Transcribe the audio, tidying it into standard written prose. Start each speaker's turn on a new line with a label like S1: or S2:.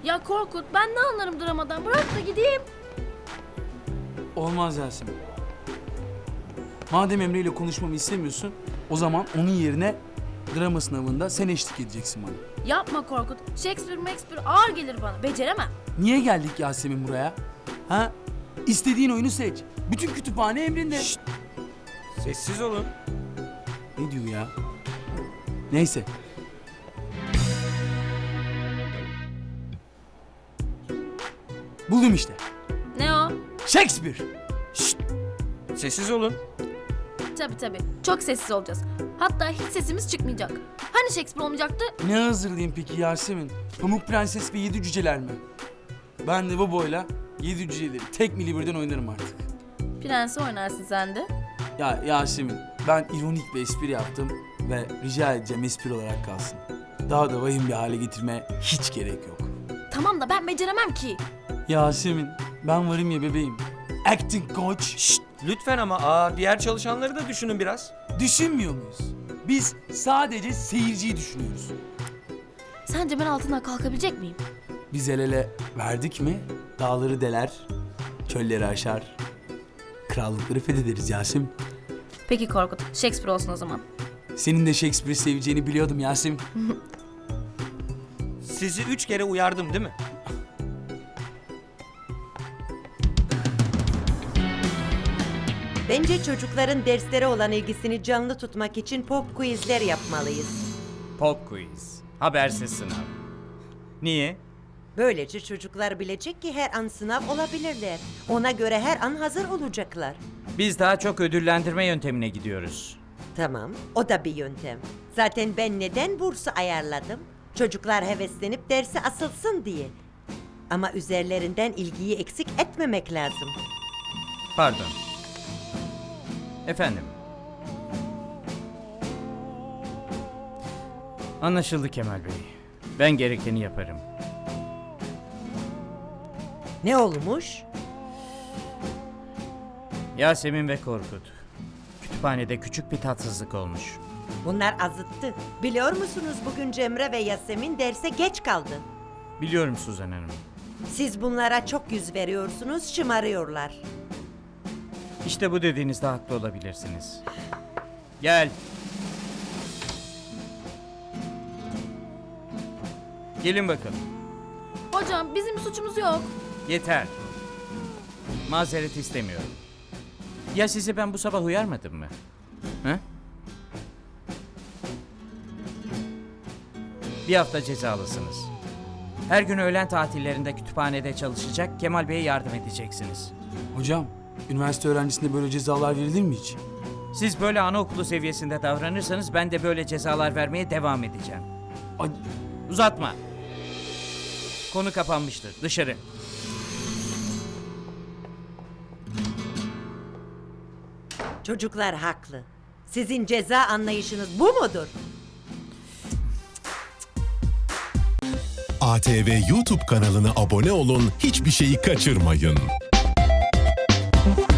S1: Ya Korkut, ben ne anlarım dramadan? Bırak da gideyim.
S2: Olmaz Yasemin. Madem Emre ile konuşmamı istemiyorsun, o zaman onun yerine drama sınavında sen eşlik edeceksin bana.
S1: Yapma Korkut. Shakespeare ağır gelir bana. Beceremem.
S2: Niye geldik Yasemin buraya? Ha? İstediğin oyunu seç. Bütün kütüphane emrinde.
S3: Şşt! Sessiz olun.
S2: Ne diyor ya? Neyse. Buldum işte.
S1: Ne o?
S2: Shakespeare.
S3: Şşt! Sessiz olun.
S1: Tabii. Çok sessiz olacağız. Hatta hiç sesimiz çıkmayacak. Hani Shakespeare olmayacaktı?
S2: Ne hazırlayayım peki Yasemin? Pamuk Prenses ve 7 cüceler mi? Ben de bu boyla 7 cüceleri tek mili birden oynarım artık.
S1: Prensi oynarsın sen de.
S2: Ya Yasemin, ben ironik bir espri yaptım ve rica edeceğim espri olarak kalsın. Daha da vahim bir hale getirmeye hiç gerek yok.
S1: Tamam da ben beceremem ki.
S2: Yasemin, ben varım ya bebeğim. Acting coach.
S3: Şşt! Lütfen ama diğer çalışanları da düşünün biraz.
S2: Düşünmüyor muyuz? Biz sadece seyirciyi düşünüyoruz.
S1: Sence ben altından kalkabilecek miyim?
S2: Biz el ele verdik mi dağları deler, çölleri aşar, krallıkları fethederiz Yasemin.
S1: Peki Korkut, Shakespeare olsun o zaman.
S2: Senin de Shakespeare'i seveceğini biliyordum Yasemin.
S3: Sizi 3 kere uyardım değil mi?
S4: Bence çocukların derslere olan ilgisini canlı tutmak için pop quizler yapmalıyız.
S5: Pop quiz. Habersiz sınav. Niye?
S4: Böylece çocuklar bilecek ki her an sınav olabilirler. Ona göre her an hazır olacaklar.
S5: Biz daha çok ödüllendirme yöntemine gidiyoruz.
S4: Tamam, o da bir yöntem. Zaten ben neden bursu ayarladım? Çocuklar heveslenip derse asılsın diye. Ama üzerlerinden ilgiyi eksik etmemek lazım.
S5: Pardon. Efendim. Anlaşıldı Kemal Bey. Ben gerekeni yaparım.
S4: Ne olmuş?
S5: Yasemin ve Korkut. Kütüphanede küçük bir tatsızlık olmuş.
S4: Bunlar azıttı. Biliyor musunuz bugün Cemre ve Yasemin derse geç kaldı.
S5: Biliyorum Suzan Hanım.
S4: Siz bunlara çok yüz veriyorsunuz, şımarıyorlar.
S5: İşte bu dediğinizde haklı olabilirsiniz. Gel. Gelin bakalım.
S1: Hocam bizim bir suçumuz yok.
S5: Yeter. Mazeret istemiyorum. Ya sizi ben bu sabah uyarmadım mı? He? Bir hafta cezalısınız. Her gün öğlen tatillerinde kütüphanede çalışacak, Kemal Bey'e yardım edeceksiniz.
S2: Hocam, üniversite öğrencisine böyle cezalar verilir mi hiç?
S5: Siz böyle anaokulu seviyesinde davranırsanız ben de böyle cezalar vermeye devam edeceğim.
S2: Ay,
S5: Uzatma. Konu kapanmıştır. Dışarı.
S4: Çocuklar haklı. Sizin ceza anlayışınız bu mudur?
S6: ATV YouTube kanalına abone olun, hiçbir şeyi kaçırmayın.